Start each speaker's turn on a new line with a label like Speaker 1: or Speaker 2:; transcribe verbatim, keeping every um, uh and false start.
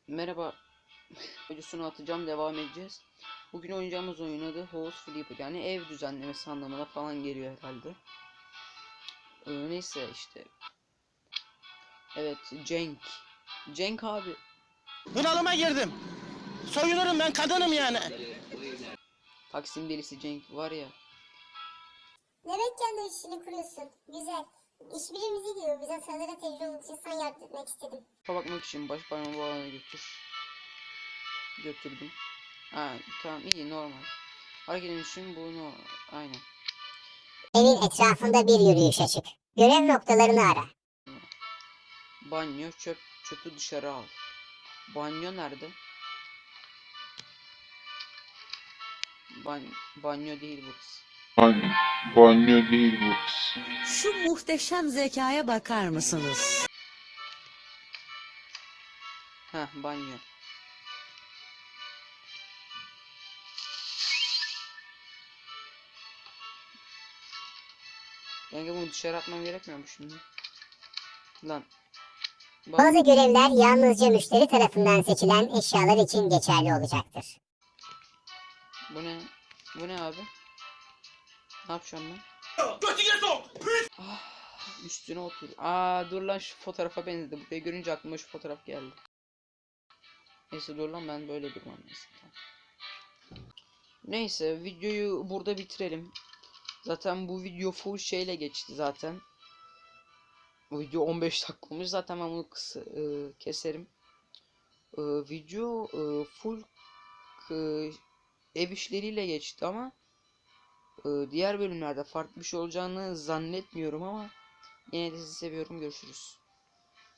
Speaker 1: Merhaba. Videosunu atacağım, devam edeceğiz. Bugün oynayacağımız oyun adı House Flipper, yani ev düzenlemesi anlamına falan geliyor herhalde. Ee, neyse işte. Evet, Cenk. Cenk abi.
Speaker 2: Bunalıma girdim. Soyunurum, ben kadınım yani.
Speaker 1: Taksim delisi Cenk var ya.
Speaker 3: Demek kendi işini kuruyorsun. Güzel. İş birimizi diyor. Bize sanırım tecrübe olduğu için sana yardım etmek istedim.
Speaker 1: Bakmak için baş parmağımı bu alana götür. Götürdüm. Ha tamam, iyi, normal. Hareket için bunu aynen.
Speaker 3: Evin etrafında bir yürüyüşe çık. Görev noktalarını ara.
Speaker 1: Banyo, çöp, çöpü dışarı al. Banyo nerede? Ban banyo değil burası.
Speaker 4: Banyo, banyo değil bu kız.
Speaker 5: Şu muhteşem zekaya bakar mısınız?
Speaker 1: Heh, banyo. Yani bunu dışarı atmam gerekmiyor mu şimdi? Lan. Bak,
Speaker 3: Bazı görevler yalnızca müşteri tarafından seçilen eşyalar için geçerli olacaktır.
Speaker 1: bu ne? Bu ne abi? Ne yapacağım ben? Ah, üstüne otur. Aa dur lan, şu fotoğrafa benzedi. Burayı görünce aklıma şu fotoğraf geldi. Neyse dur lan, ben böyle durmam neyse. Tamam. Neyse, videoyu burada bitirelim. Zaten bu video full şeyle geçti zaten. Bu video on beş dakika olmuş. Zaten ben bunu kısa, e, keserim. E, video e, full e, ev işleriyle geçti ama e, diğer bölümlerde farklı bir şey olacağını zannetmiyorum ama yine de sizi seviyorum. Görüşürüz.